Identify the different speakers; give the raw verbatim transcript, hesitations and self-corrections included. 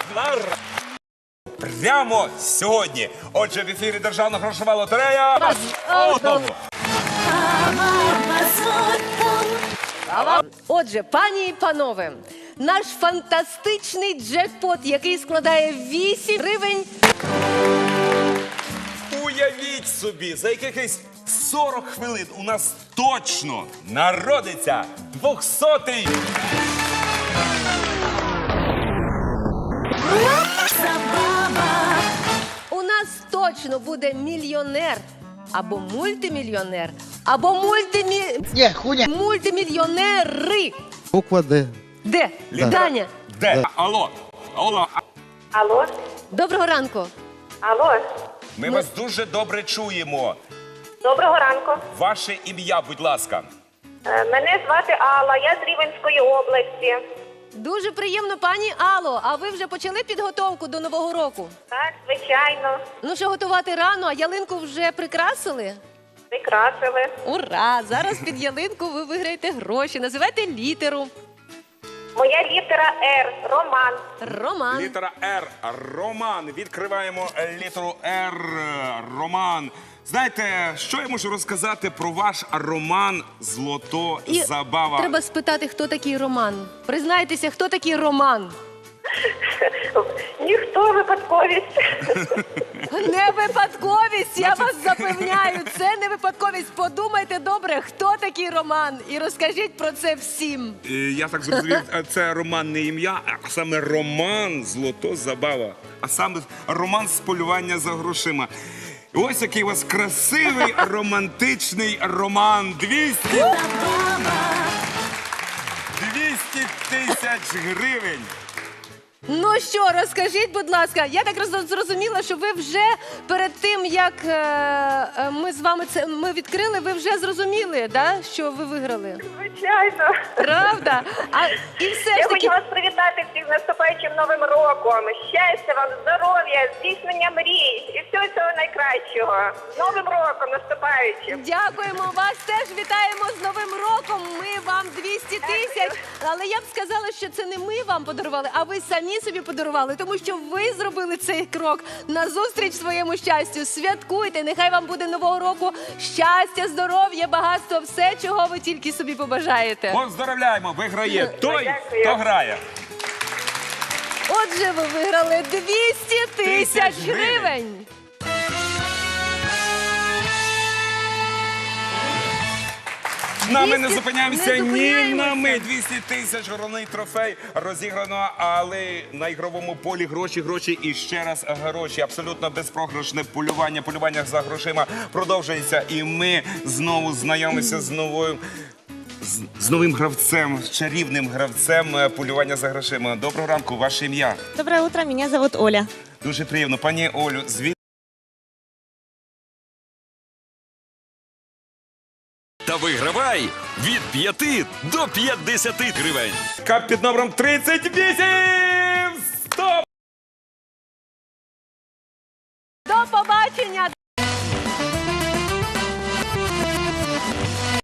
Speaker 1: Прямо сьогодні. Отже, в ефірі Державна грошова лотерея.
Speaker 2: Отже, пані і панове, наш фантастичний джекпот, який складає вісім гривень.
Speaker 1: Уявіть собі, за якихось сорок хвилин у нас точно народиться двохсотий.
Speaker 2: У нас точно буде мільйонер, або мультимільйонер, або мультимі...
Speaker 3: Ні, хуйня.
Speaker 2: мультимільйонери.
Speaker 3: Буква Д.
Speaker 2: Де?
Speaker 1: Літера.
Speaker 2: Даня.
Speaker 1: Де?
Speaker 3: Да.
Speaker 1: Алло. Алло.
Speaker 4: Алло,
Speaker 2: Доброго ранку.
Speaker 4: алло,
Speaker 1: Ми вас дуже добре чуємо.
Speaker 4: доброго ранку.
Speaker 1: Ваше ім'я, будь ласка.
Speaker 4: Е, Мене звати Алла, я з Рівненської області.
Speaker 2: Дуже приємно, пані Алло. А ви вже почали підготовку до Нового року?
Speaker 4: Так, звичайно,
Speaker 2: Ну що, готувати рано, а ялинку вже прикрасили?
Speaker 4: прикрасили.
Speaker 2: Ура! Зараз під ялинку ви виграєте гроші. Називайте літеру.
Speaker 4: Моя літера Р, Роман.
Speaker 2: Роман.
Speaker 1: Літера Р. Роман. Відкриваємо літеру Р. Роман. Знаєте, що я можу розказати про ваш роман «Злото
Speaker 2: І
Speaker 1: забава»?
Speaker 2: треба спитати, хто такий Роман. Признайтеся, хто такий Роман?
Speaker 4: Ніхто випадковість.
Speaker 2: Не випадковість, я вас запевняю. Це не випадковість. Подумайте добре, хто такий Роман. І розкажіть про це всім.
Speaker 1: Е, Я так зрозумів, це роман не ім'я, а саме роман «Злото забава». А саме роман з полювання за грошима. І ось який у вас красивий романтичний роман. двісті двісті тисяч гривень.
Speaker 2: Ну що, розкажіть, будь ласка, я так роз- зрозуміла, що ви вже перед тим, як е, е, ми з вами це ми відкрили, ви вже зрозуміли, да, що ви виграли.
Speaker 4: Звичайно.
Speaker 2: Правда? А і все
Speaker 4: Я
Speaker 2: ж
Speaker 4: хочу
Speaker 2: таки.
Speaker 4: вас привітати всіх з наступаючим Новим роком. Щастя вам, здоров'я, здійснення мрій і всього цього найкращого. З Новим роком наступаючим.
Speaker 2: Дякуємо, вас теж вітаємо з Новим роком. Ми вам двісті тисяч. Але я б сказала, що це не ми вам подарували, а ви самі собі подарували, тому що ви зробили цей крок назустріч своєму щастю. Святкуйте, нехай вам буде Нового року щастя, здоров'я, багатство, все, чого ви тільки собі побажаєте.
Speaker 1: Поздравляємо, виграє той,
Speaker 4: Дякую.
Speaker 1: хто грає.
Speaker 2: Отже, ви виграли двісті тисяч
Speaker 1: Тисяч гривень.
Speaker 2: гривень.
Speaker 1: З нами не
Speaker 2: двісті
Speaker 1: зупиняємося
Speaker 2: не
Speaker 1: ні
Speaker 2: зупиняємося.
Speaker 1: на мить. двісті тисяч головний трофей розіграно, але на ігровому полі гроші, гроші і ще раз гроші. Абсолютно безпрограшне полювання. Полювання за грошима продовжується. І ми знову знайомимося з новою. З, з новим гравцем, з чарівним гравцем е, полювання за грошима. Доброго ранку, ваше ім'я.
Speaker 5: Доброе утро, меня зовут Оля.
Speaker 1: Дуже приємно. Пані Олю, звідки?
Speaker 6: Та вигравай від п'яти до п'ятдесяти гривень.
Speaker 1: Кап під номером тридцять вісім! Стоп!
Speaker 2: До побачення!